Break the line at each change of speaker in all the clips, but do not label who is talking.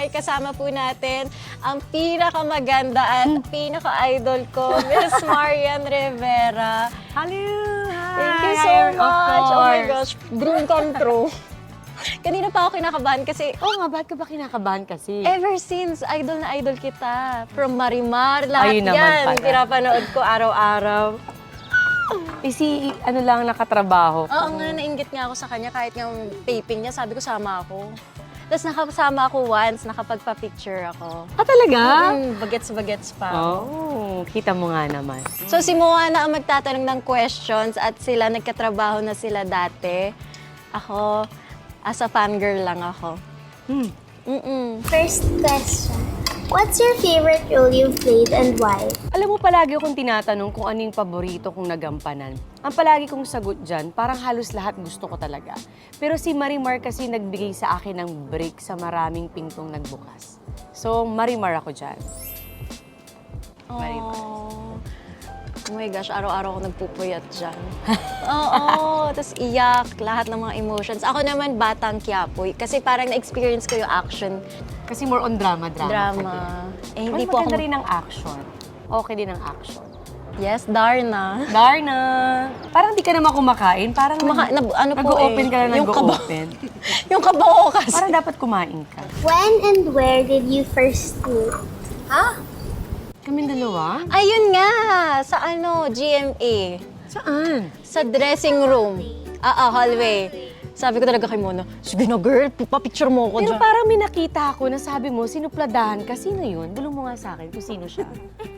ay kasama po natin ang pinakamaganda at pinaka-idol ko, Miss Marian Rivera.
Hello! Hi!
Thank you so much! Oh my gosh, dream come true. Kanina pa ako kinakabahan kasi
Oo nga, ba't ka ba kinakabahan kasi?
ever since, idol na idol kita. From Marimar, lahat
Ayun naman
yan.
pala.
Pinapanood ko araw-araw.
Ano lang nakatrabaho.
Oo nga, nainggit nga ako sa kanya kahit yung taping niya, sabi ko sama ako. Tapos nakasama ako once, nakapagpa-picture ako.
Ah, talaga?
Bagets-bagets pa.
Oh, kita mo nga naman.
So si Moana ang magtatanong ng questions at sila nagkatrabaho na sila dati. Ako, as a fangirl lang ako.
First question. What's your favorite role you've played and why?
Alam mo, palagi akong tinatanong kung ano yung paborito kong nagampanan. Ang palagi kong sagot dyan, parang halos lahat gusto ko talaga. Pero si Marimar kasi nagbigay sa akin ng break sa maraming pintong nagbukas. So, Marimar ako dyan. Marimar.
Oh my gosh, araw-araw ako nagpupuyat dyan. Oo, tapos iyak, lahat ng mga emotions. Ako naman, Batang Quiapo. Kasi parang na-experience ko yung action.
Kasi more on drama.
Drama. Eh, hindi
Mas
po ako...
maganda rin ang action. Okay din ang action.
Yes, Darna.
Darna! Parang di ka naman kumakain. Parang
ano po
nag-o-open
eh,
ka lang,
yung
nag-o-open.
Yung kabao kasi.
Parang dapat kumain ka.
When and where did you first meet?
Kaming dalawa?
Ayun nga, sa GMA.
Saan?
Sa dressing room. Hallway. Sabi ko talaga kay Mona, sige na girl, papicture mo ako
Pero
dyan.
parang may nakita ako na sabi mo, sinupladahan ka. Sino yun? Bulong mo nga sa akin kung sino siya.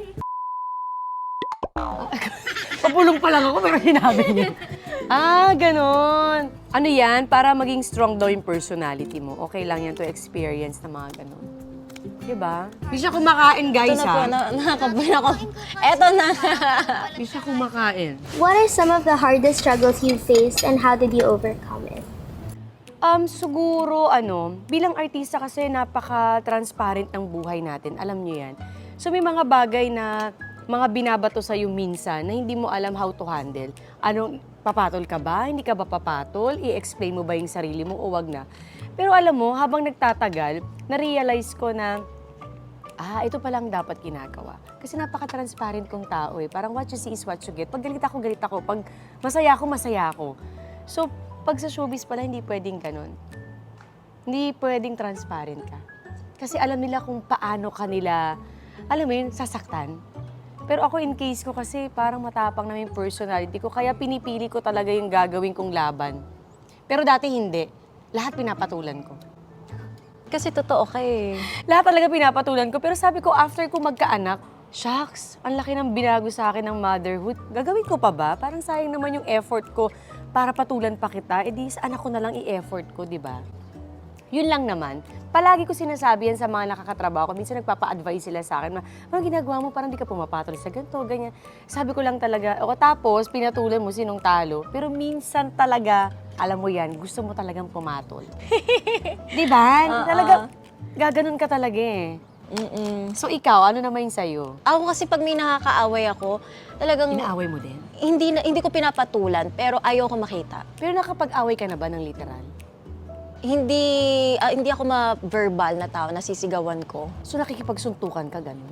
Papulong pa lang ako pero sinabi niya. Ganon. Ano yan? Para maging strong daw yung personality mo. Okay lang yan to experience na mga ganon. Diba? Hindi siya kumakain, guys,
Ito na po, nakakabayan ako. Eto na.
Hindi siya kumakain.
What are some of the hardest struggles you've faced and how did you overcome it?
Siguro, bilang artista kasi napaka-transparent ng buhay natin. Alam niyo yan. So, may mga bagay na mga binabato sa'yo minsan na hindi mo alam how to handle. Papatol ka ba? Hindi ka ba papatol? I-explain mo ba yung sarili mo o wag na? Pero alam mo, habang nagtatagal, na-realize ko na, ito palang dapat ginagawa. Kasi napaka-transparent kong tao eh. Parang what you see is what you get. Pag galit ako, galit ako. Pag masaya ako, masaya ako. So, pag sa showbiz pala, hindi pwedeng ganun. Hindi pwedeng transparent ka. Kasi alam nila kung paano kanila, alam mo yun, sasaktan. Pero ako in case ko kasi parang matapang na yung personality ko, kaya pinipili ko talaga yung gagawin kong laban. Pero dati hindi. Lahat pinapatulan ko.
Kasi totoo ka eh.
Lahat talaga pinapatulan ko. Pero sabi ko, after ko magkaanak, shucks, ang laki ng binago sa akin ng motherhood. Gagawin ko pa ba? Parang sayang naman yung effort ko para patulan pa kita. E di sa anak ko na lang i-effort ko, di ba? Yun lang naman. Palagi ko sinasabi yan sa mga nakakatrabaho ko. Minsan nagpapa-advise sila sa akin, mga ginagawa mo parang di ka pumapatol sa ganito, ganyan. Sabi ko lang talaga, tapos pinatulan mo sinong talo. Pero minsan talaga, alam mo yan, gusto mo talagang pumatol. Di ba? Talaga, gaganon ka talaga eh. So ikaw, ano naman yung sa'yo?
Ako kasi pag may nakakaaway ako, talagang
Inaaway mo din?
hindi ko pinapatulan, pero ayoko makita.
Pero nakapag-away ka na ba ng literal?
Hindi ako ma-verbal na tao, nasisigawan ko.
So nakikipagsuntukan ka, gano'n?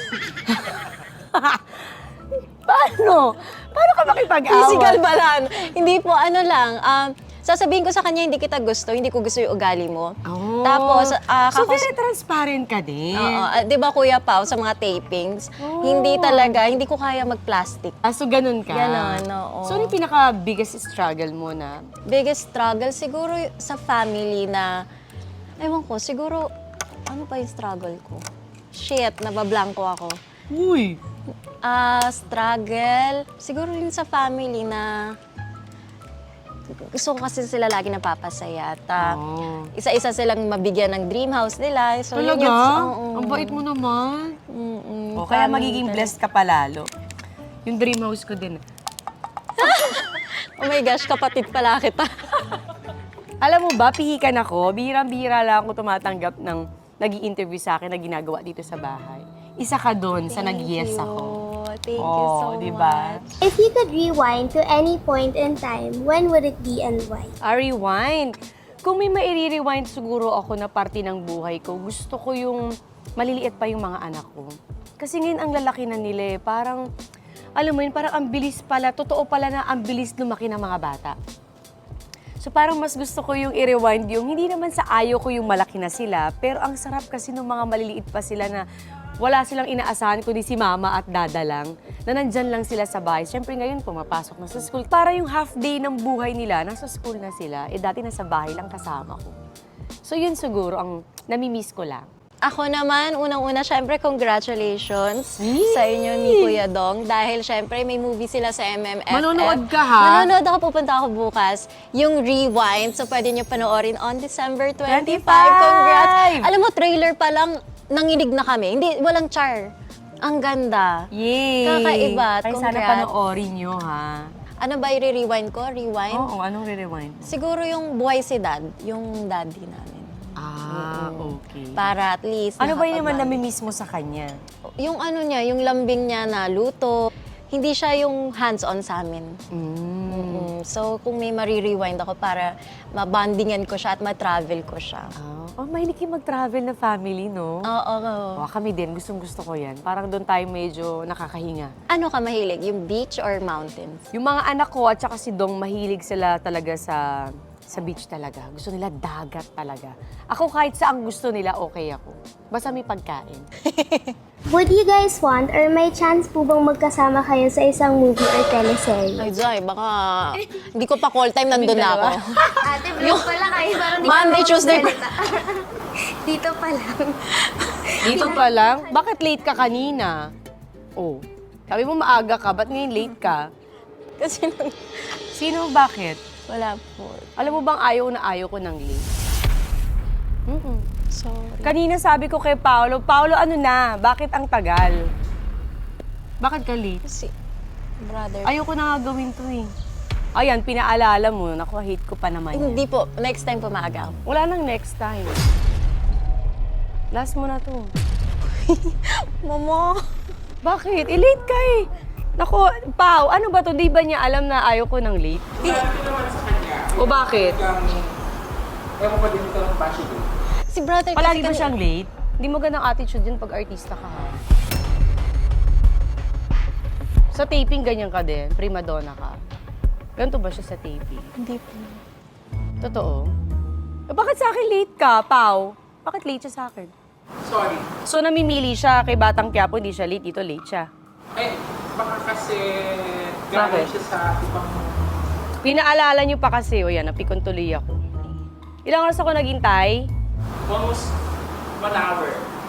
Paano? Paano ka makipag-away?
Physical ba lang? Hindi po, sasabihin ko sa kanya, hindi kita gusto, hindi ko gusto yung ugali mo.
Oh.
Tapos,
so very transparent ka din.
di ba Kuya Pao, sa mga tapings, hindi ko kaya mag-plastic.
So ganun ka?
Ganon, oo.
So ano yung pinaka-biggest struggle mo na?
Biggest struggle, siguro sa family na, ewan ko, siguro, ano pa yung struggle ko? Shit, nabablanko ako.
Uy!
Struggle, siguro yun sa family na, gusto ko kasi sila lagi napapasaya. At isa-isa silang mabigyan ng dream house nila. So,
Talaga? Ang bait mo naman. Kaya magiging blessed ka palalo. Yung dream house ko din.
Oh my gosh, kapatid pala kita.
Alam mo ba, pihikan ako. Bihirang-bihira lang ako tumatanggap ng nag-i-interview sa akin na ginagawa dito sa bahay. Isa ka doon sa nag-yes ako.
Thank you so
diba?
much.
If you could rewind to any point in time, when would it be and why?
Rewind. Kung may maire-rewind siguro ako na parte ng buhay ko, gusto ko yung maliliit pa yung mga anak ko. Kasi ngayon ang lalaki na nila eh, parang, alam mo yun, parang ang bilis pala, totoo pala na ang bilis lumaki ng mga bata. So parang mas gusto ko yung i-rewind yung, hindi naman sa ayaw ko yung malaki na sila, pero ang sarap kasi ng mga maliliit pa sila na wala silang inaasahan kundi si mama at dada lang, na nandyan lang sila sa bahay. Siyempre ngayon, pumapasok na sa school. Para yung half day ng buhay nila, nasa school na sila, eh dati nasa bahay lang kasama ko. So yun siguro ang namimiss ko lang.
Ako naman, unang-una, syempre, congratulations sa inyo ni Kuya Dong. Dahil syempre, may movie sila sa MMFF.
Manonood ka, ha?
Manonood ako, pupunta ako bukas. Yung Rewind, so pwede nyo panoorin on December 25.
25!
Congrats! Alam mo, trailer pa lang, nanginig na kami. Hindi, walang char. Ang ganda.
Yay!
Kakaiba.
Ay, sana
Congrats.
panoorin nyo, ha?
Ano ba i-rewind ko? Rewind?
Oo, anong re-rewind?
Siguro yung buhay si Dad, yung daddy namin.
Okay.
Para at least
Ano ba yun naman
nakapag-
namimiss mo sa kanya?
Yung ano niya, yung lambing niya na luto, hindi siya yung hands-on sa amin. So, kung may marirewind ako para mabandingan ko siya at ma-travel ko siya.
Mahilig kayo mag-travel na family, no?
Oo.
Kami din, gustong-gusto ko yan. Parang doon tayo medyo nakakahinga.
Ano ka mahilig? Yung beach or mountains?
Yung mga anak ko at saka si Dong, mahilig sila talaga sa beach talaga. Gusto nila dagat talaga. Ako kahit saan gusto nila, okay ako. Basta may pagkain.
Would you guys want or may chance po bang magkasama kayo sa isang movie or teleserye?
Ay, Jai, baka hindi ko pa call time, nandun na ako.
Ate, vlog pala kayo. Parang di
Monday,
ka
Tuesday.
Dito pa lang.
Dito pa lang? Bakit late ka kanina? Oh, sabi mo maaga ka, ba't ngayon late ka?
Kasi
Sino, bakit?
wala po.
Alam mo bang ayaw ko ng late?
Sorry.
Kanina sabi ko kay Paolo, ano na, bakit ang tagal? Bakit ka late?
Kasi, brother.
Ayoko na nga gawin to eh. Ayan, pinaalala mo, naku, hate ko pa naman yan.
Hindi po. Next time po maaga ako.
Wala nang next time. Last mo na to.
Mama.
Bakit? Late ka eh. Naku, Pao, ano ba to? Di ba niya alam na ayaw ko ng late? O bakit?
Ewan ko din ito ng bashi ko.
Si brother
Palagi ba
kasi
siyang late? Hindi mo ganang attitude yun pag artista ka ha. Sa taping, ganyan ka din. Prima donna ka. Ganito ba siya sa taping?
Hindi po.
Totoo? Bakit sa akin late ka, Pao? Bakit late siya sa akin?
Sorry.
So, namimili siya kay Batang Quiapo, hindi siya late. Dito late siya.
Eh, baka kasi
Bakit?
galing siya sa ibang...
Pinaalala niyo pa kasi, o yan, napikon tuloy ako. Ilang oras ako naghintay?
Almost 1 hour.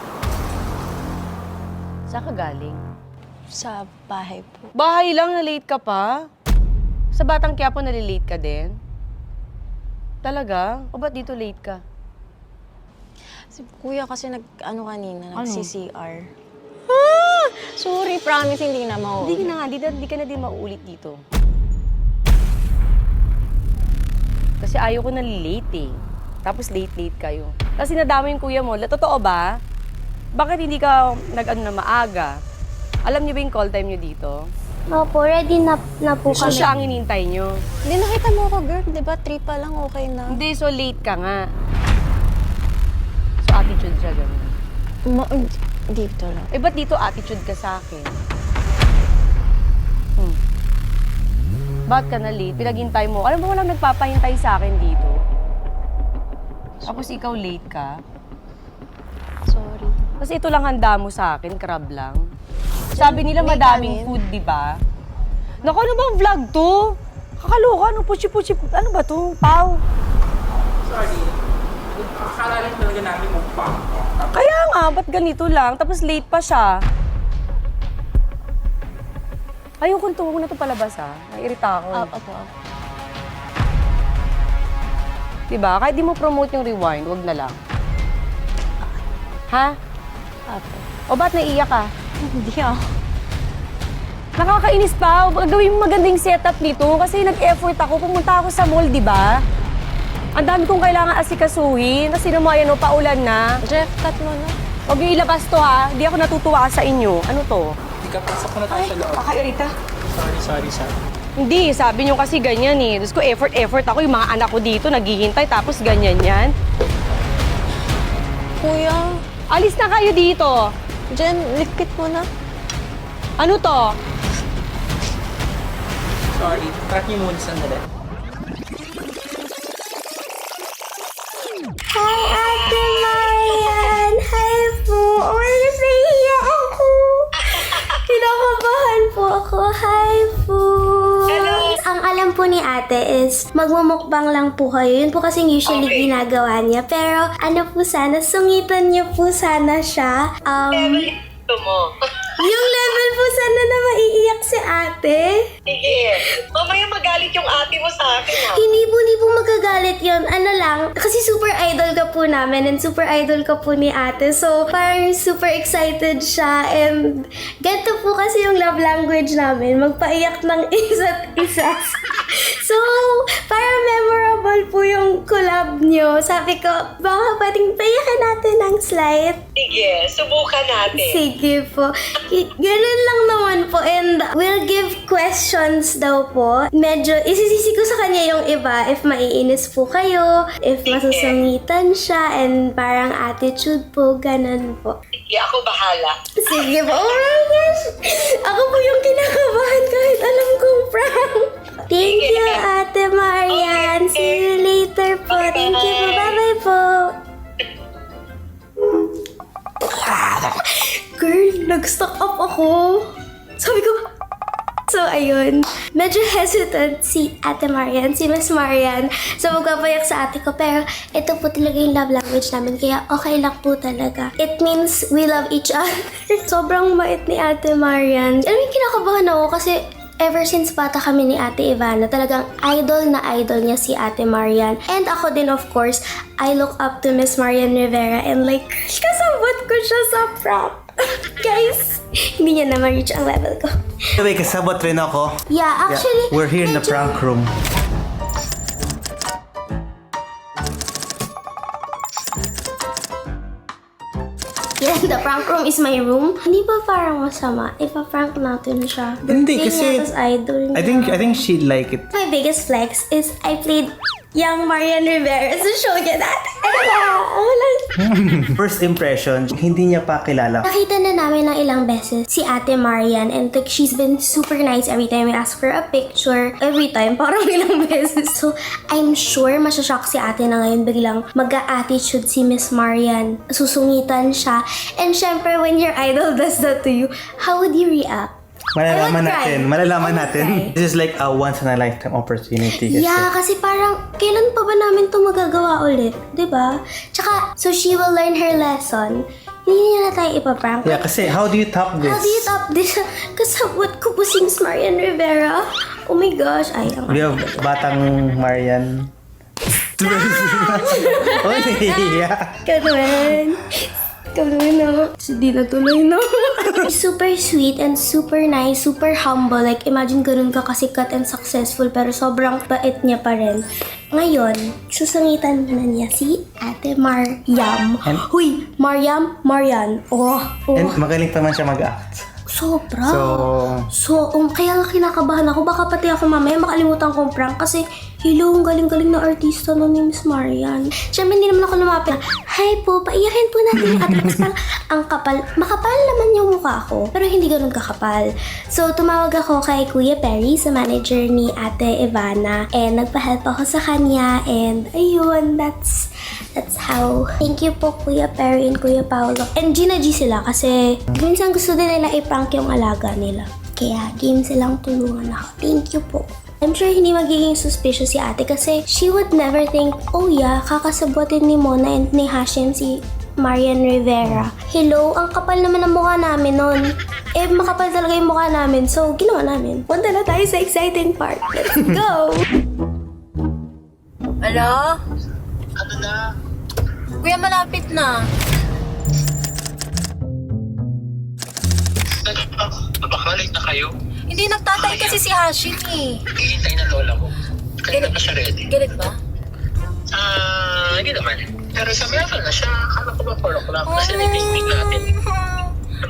Saan ka galing?
Sa bahay po.
Bahay lang, na-late ka pa? Sa Batang Quiapo, nalilate ka din? Talaga? O ba't dito late ka?
Si kuya kasi kanina,
Ano?
nag-CCR. Sorry, promise, hindi na mau.
Hindi na nga, di ka na din mauulit dito. Kasi ayaw ko nalilate eh. Tapos late kayo. Tapos sinadama yung kuya mo. Totoo ba? Bakit hindi ka nag-ano na maaga? Alam niyo ba yung call time niyo dito?
Opo, ready na po
So
kami.
siya ang inintay niyo.
Hindi, nakita mo ako, girl. Di ba, 3 pa lang, okay na.
Hindi, so late ka nga. So attitude siya ganun.
Dito lang.
Eh, ba't dito attitude ka sa akin? Ba't ka na late? Pinaghintay mo. Alam mo, walang nagpapahintay sa akin dito. Tapos ikaw late ka.
Sorry.
Kasi ito lang handa mo sa akin, crab lang. Sabi nila
May
madaming
kanin.
food, di ba? Naku, ano bang vlog to? Kakaloka, ano puchi-puchi, ano ba to? Pau.
Sorry. Akala lang talaga namin mukbang.
Kaya nga, ba't ganito lang? Tapos late pa siya. Ayoko nito, huwag na ito palabas ha. Naiirita ako.
Opo.
Diba? Kahit di mo promote yung rewind, wag na lang. Ha?
Opo.
O ba't naiiyak ka?
Hindi ako.
Nakakainis pa. Gawin mo magandang setup nito kasi nag-effort ako. Pumunta ako sa mall, di ba? Ang dami kong kailangan asikasuhin. Kasi naman yan, paulan na.
Jeff, cut mo na.
Huwag yung ilabas to ha. Hindi ako natutuwa sa inyo. Ano to?
Hindi ka pasok na tayo sa loob.
Kakairita.
Sorry.
Hindi, sabi nyo kasi ganyan eh. Tapos ko effort ako, yung mga anak ko dito naghihintay tapos ganyan yan.
Kuya,
Alis na kayo dito.
Jen, likit mo na.
Ano to?
Sorry, track niyo muna sandali.
Hi, Ate Marian! Hi po! Oh my gosh, nahihiya ako! Kinakabahan po ako. Hi po! Ang alam po ni ate is magmumukbang lang po kayo. Yun po kasing usually ginagawa niya. Pero ano po sana, sungitan niyo po sana siya. Yung level po sana na maiiyak si ate.
Sige. Mamaya magalit yung ate mo sa akin, ha?
Hindi po magagalit yun. Ano lang, kasi super idol ka po namin and super idol ka po ni ate. So, parang super excited siya and ganito po kasi yung love language namin. Magpaiyak ng isa't isa. So, parang memorable po yung collab nyo. Sabi ko, baka pwedeng paiyakan natin ng slight.
Sige, subukan natin.
Sige po. Ganun lang naman po. And we'll give questions daw po. Medyo, isisisi ko sa kanya yung iba. If maiinis po kayo, if masusungitan siya, and parang attitude po, ganun po.
Sige, ako bahala.
Sige po. Oh my gosh! Ako po yung kinakabahan kahit alam kong prank. Thank you, Ate Marian. See you later po. Thank you po. Bye-bye po. Girl, nag-stock up ako. Sabi ko, so ayun, medyo hesitant si Ate Marian, si Miss Marian, so magpapayak sa ate ko. Pero ito po talaga yung love language namin, kaya okay lang po talaga. It means we love each other. Sobrang mait ni Ate Marian. Alam mo, kinakabahan ako kasi ever since bata kami ni Ate Ivana, talagang idol na idol niya si Ate Marian. And ako din, of course, I look up to Miss Marian Rivera and like, kasabot ko siya sa prank. Guys, hindi niya na ma-reach ang level ko.
Anyway, kasabot rin ako.
Yeah, actually,
We're here in the
medyo-
prank room.
Yeah, the prank room is my room. Hindi ba parang masama? Ipa-prank natin siya.
Hindi,
Birthday
kasi
niya, tas idol niya.
I think she'd like it.
My biggest flex is I played young Marian Rivera sa show niya dati.
First impression, hindi niya pa kilala.
Nakita na namin ng ilang beses si Ate Marian and like, she's been super nice every time we ask for a picture. Every time, parang ilang beses. So, I'm sure masyashock si ate na ngayon biglang mag-a-attitude si Miss Marian. Susungitan siya. And syempre, when your idol does that to you, how would you react?
Malalaman natin. Malalaman
I would
natin.
cry.
This is like a once in a lifetime opportunity. Kasi.
Yeah, kasi parang, kailan pa ba namin ito magagawa ulit? 'Di ba? Tsaka, so she will learn her lesson. Hindi niya na tayo ipaprank.
Yeah, kasi how do you top this?
How do you top this? Kasabot ko po si Miss Marian Rivera. Oh my gosh. Ay, ang
We have Batang Marian. Oh, yeah.
Ikaw naman. Ikaw naman, no? Hindi na tuloy, no? Super sweet and super nice, super humble. Like, imagine ganun ka kasikat and successful pero sobrang bait niya pa rin. Ngayon, susungitan na niya si Ate Mariam. Huy, Marian. Oh.
And magaling pa man siya mag-act.
Sobra.
So,
Kaya nga kinakabahan ako. Baka pati ako mamaya makalimutan kong prank kasi hello, ang galing-galing na artista no ni Miss Marian. Siyempre, hindi naman ako lumapit. Hi po, paiyakin po natin yung address. Parang ang kapal. Makapal naman yung mukha ko, pero hindi ganun kakapal. So, tumawag ako kay Kuya Perry, sa manager ni Ate Ivana. And nagpa-help ako sa kanya. And ayun, that's how. Thank you po, Kuya Perry and Kuya Paolo. And Gina G sila kasi minsan gusto din nila i-prank yung alaga nila. Kaya game silang tulungan ako. Thank you po. I'm sure hindi magiging suspicious si ate kasi she would never think, oh yeah, kakasabutin ni Mona and ni Hashim si Marian Rivera. Hello, ang kapal naman ang mukha namin nun. Eh, makapal talaga yung mukha namin. So, ginawa namin. Punta na tayo sa exciting part. Let's go!
Hello?
Ano na?
Kuya, malapit na.
Baka late na kayo.
Hindi nagtatay kasi si Hashim eh.
Hihintay na lola mo. Kaya na ba siya ready?
Galit ba?
Hindi naman. Pero sa level na siya, akala ko ba 4 o'clock kasi may picnic natin. Ano ba?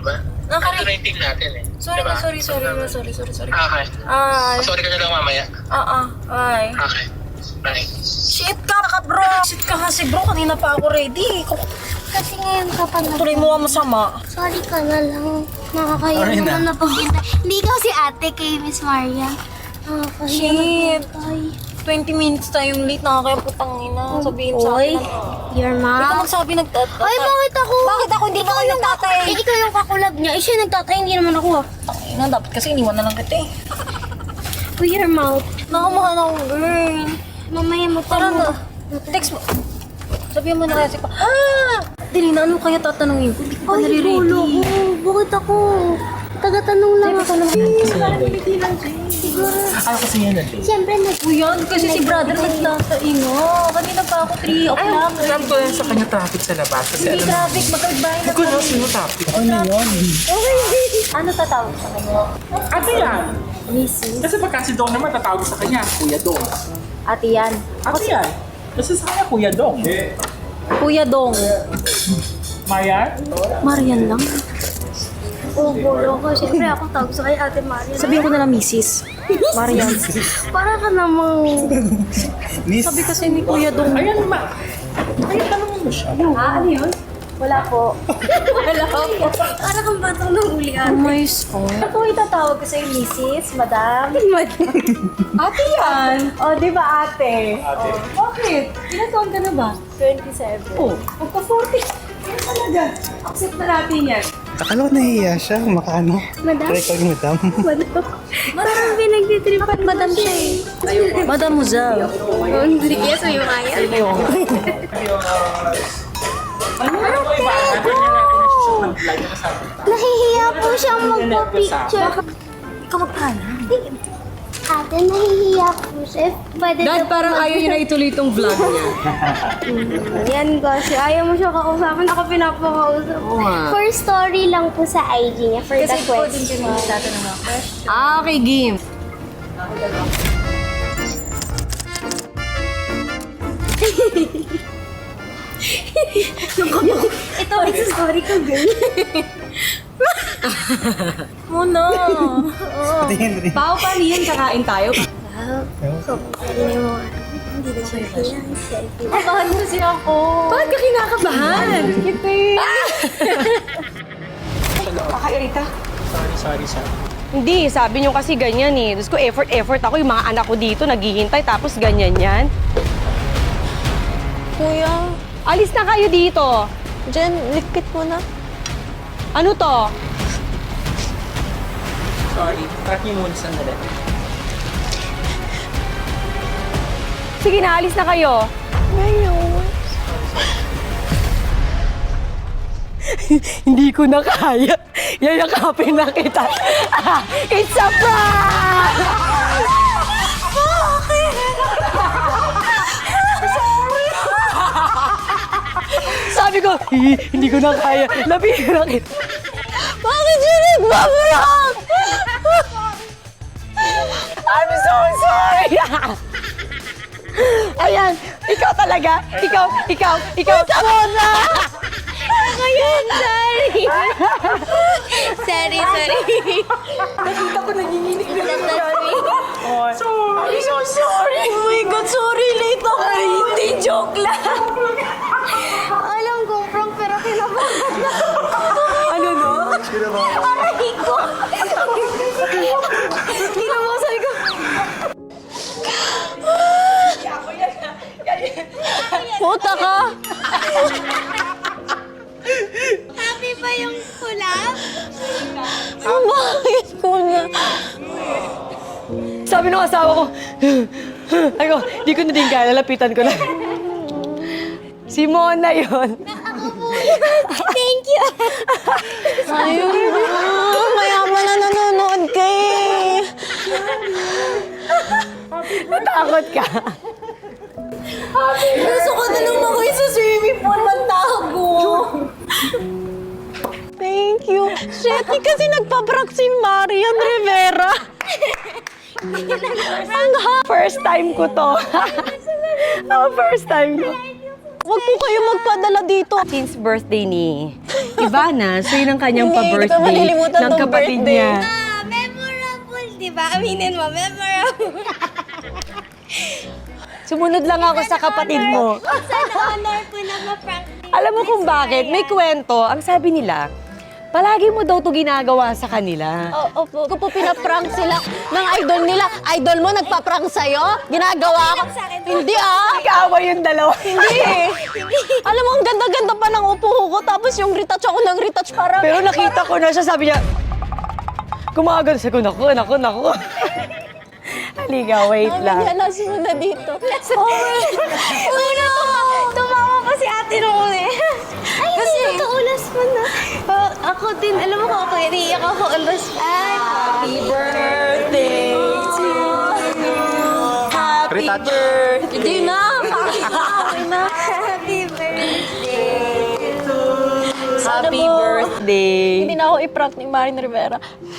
Ito na yung team natin eh.
Sorry
Diba?
na, sorry.
Okay.
Ay,
Sorry ka na lang mamaya.
ay.
Okay. Bye.
Shit ka bro! Shit ka kasi bro, kanina pa ako ready.
Kasi ngayon ka pa na.
Tuloy mo ang masama.
Sorry ka na lang. Nakakaya
Sorry na.
naman na paghintay. Hindi ka si ate kay Miss Marian. Nakakaya
Shit.
naghintay.
20 minutes tayong late, nakakaya putang ina. Sabihin sa
Oy,
akin.
your
Ikaw
mom.
magsabi nagtatay.
Ay, bakit ako?
Bakit ako? Hindi naman nagtatay.
Eh, ikaw yung kakulab niya. Eh, siya nagtatay, hindi naman ako.
Ina, dapat kasi iniwan na lang kita eh.
Uy, your mouth.
Nakamahal ako, girl.
Mamaya mo pa
Tara
mo.
na. Text mo. Sabihan mo na kasi pa. Dili na, ano kaya tatanungin ko? Hindi ko pa
Ay,
nare-ready.
gulo ko. Bakit ako? Taga-tanong lang ako. Siguro.
Ayaw kasi yan natin.
Siyempre,
Uyan, kasi si brother nagtatay nga. Kanina pa ako 3 o'clock.
Alam ko yan sa kanya traffic sa labas. Kasi
Hindi
alam mo,
traffic, magkagbahay na
hindi ko na sino traffic.
Ano tatawag sa kanya?
Ate yan.
Missy.
Kasi pagka si Dong naman tatawag sa kanya, Kuya Dong.
Ate yan.
Ate yan. Kasi sa kanya, Kuya Dong.
Kuya Dong.
Marian?
Marian lang.
oh, gulo ko. Siyempre, ako tawag sa kay Ate Marian.
Sabihin ko na lang Mrs. Marian.
Para ka namang...
Miss,
Sabi kasi ni Kuya Dong.
Ayan, Ayan, tanongin mo siya.
Ano yun? Wala po. Wala po.
Para kang batang nang ulian.
Oh my God. Ako itatawag ko sa'yo, Mrs. Madam. Ate yan. O, di ba ate?
Ate.
Oh, bakit? Ilan taon ka na ba? 27. Oh, magpa-40. Yan talaga. Accept na natin yan.
akala ko nahihiya siya. Makano.
Madam?
Record mo, madam.
Parang pinagtitripan madam siya eh.
Madam Muzal.
Oh, hindi kaya sa'yo kaya.
Ano ba? Ganyan natin na siya mag-live na sabi.
Nahihiya po siyang magpa-picture.
Ikaw magpala.
Ate, nahihiya po siya. Pwede
Dad, parang ayaw niya na ituloy itong vlog niya.
Yan kasi ayaw mo siya kausapin. Ako pinapakausap.
Oo nga.
For story lang po sa IG niya. For the question.
magtatanong ng question. Okay, game.
Ito, it's a story ko, girl.
Muna.
Tingin rin.
Pao, paano yan? Kakain tayo.
Hindi na siya fiancé.
Kabahan mo kasi ako. Bakit ka kinakabahan? Kita Kakairita.
Sorry.
Hindi, sabi niyo kasi ganyan eh. Tapos ko effort ako. Yung mga anak ko dito naghihintay tapos ganyan yan.
Kuya,
Alis na kayo dito.
Jen, likit mo na.
Ano to?
Sorry. Track niyo muna sandali.
Sige na, alis na kayo.
Ngayon.
Hindi ko na kaya. Yayakapin na kita. It's a prank! Sabi ko, hindi ko na kaya. Labihin na kita. Bakit yun nagbablog? I'm so sorry. Ayan, ikaw talaga. Ikaw. Muna! Ako yun, sorry.
Sorry.
Nakita ko nanginginig na sorry. I'm so sorry. Oh my God, sorry. Late ako. Hindi, joke lang.
Alam ko, prank, pero kinabahan na.
Ano no?
Aray ko.
Kinabahan, sabi ko. Puta ka.
Happy ba yung kulap?
Bakit ko na? Sabi ng asawa ko, ay ko, di ko na din kaya, lalapitan ko na. Si Mona yun.
Ako po yun. Thank you.
Ayun na. Mayaman na nanonood ka eh.
Natakot ka.
Gusto ko na lang ako sa swimming pool. Magtago. Thank you. Shit, kasi nagpa-prank si Marian Rivera. Ang first time ko to. First time ko. Huwag po kayo magpadala dito.
Since birthday ni Ivana, so yun ang kanyang
Hindi ko
pa-birthday
malilimutan
ng
tong
kapatid
birthday.
niya.
Memorable, di ba? Aminin mo, memorable.
Sumunod lang ako sa kapatid mo.
Sana honor po na ma-prank.
Alam mo kung bakit? May kwento. Ang sabi nila, palagi mo daw to ginagawa sa kanila.
Opo, kung po pinaprank sila ng idol nila, idol mo nagpa-prank sa'yo? Ginagawa ko? Hindi
Nag-aaway yung dalawa.
Hindi Alam mo, ang ganda-ganda pa ng upo ko, tapos yung retouch ako ng retouch para...
Pero nakita ko na siya, sabi niya, kumagal sa ko, naku. Halika, wait lang.
Yan, nasunod na dito. Tumawa pa si ate noon eh.
Ay, kasi nakaulas mo na. Ako din, alam mo kung ako, iniiyak ako ulas.
Happy birthday to you. Happy
Retouch.
birthday. Hindi na.
Happy birthday to
Happy
mo.
birthday.
Hindi na ako i-prank ni Marin Rivera.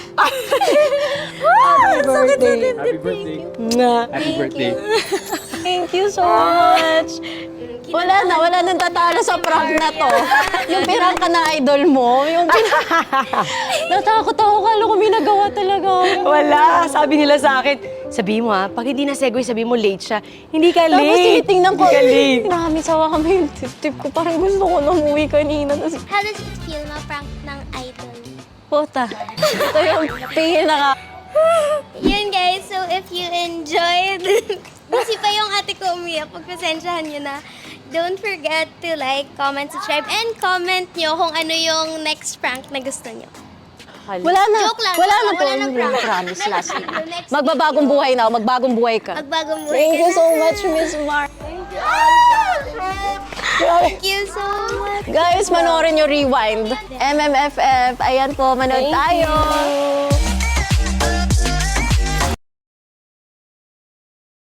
Happy birthday.
Happy birthday.
Nga.
Happy birthday.
Thank you so much. Wala nang tatalo sa prank na to. Yung pirang ka na idol mo, natakot ako, kala ko may nagawa talaga.
Wala. Sabi nila sa akin, sabi mo ha, pag hindi na segue, sabi mo late siya. Hindi ka
Tapos
late.
tinitingnan ko,
Hindi ka late.
marami sawa kami yung tip ko. Parang gusto ko na umuwi kanina. Tapos,
How does it feel ma-prank ng idol?
puta. Ito yung pinaka...
Yun guys, so if you enjoyed, kasi pa yung ate ko umiyak, pagpasensyahan nyo na. Don't forget to like, comment, subscribe, and comment nyo kung ano yung next prank na gusto nyo.
Wala na.
Joke lang.
Wala na to.
Wala na prank.
Promise last week.
Next
Magbabagong buhay na ako. Magbagong buhay ka.
Magbagong buhay
Thank
ka
you
na.
so much, Miss Mar.
Thank you so much.
Guys, manoorin nyo Rewind. MMFF. Ayan po, manood tayo.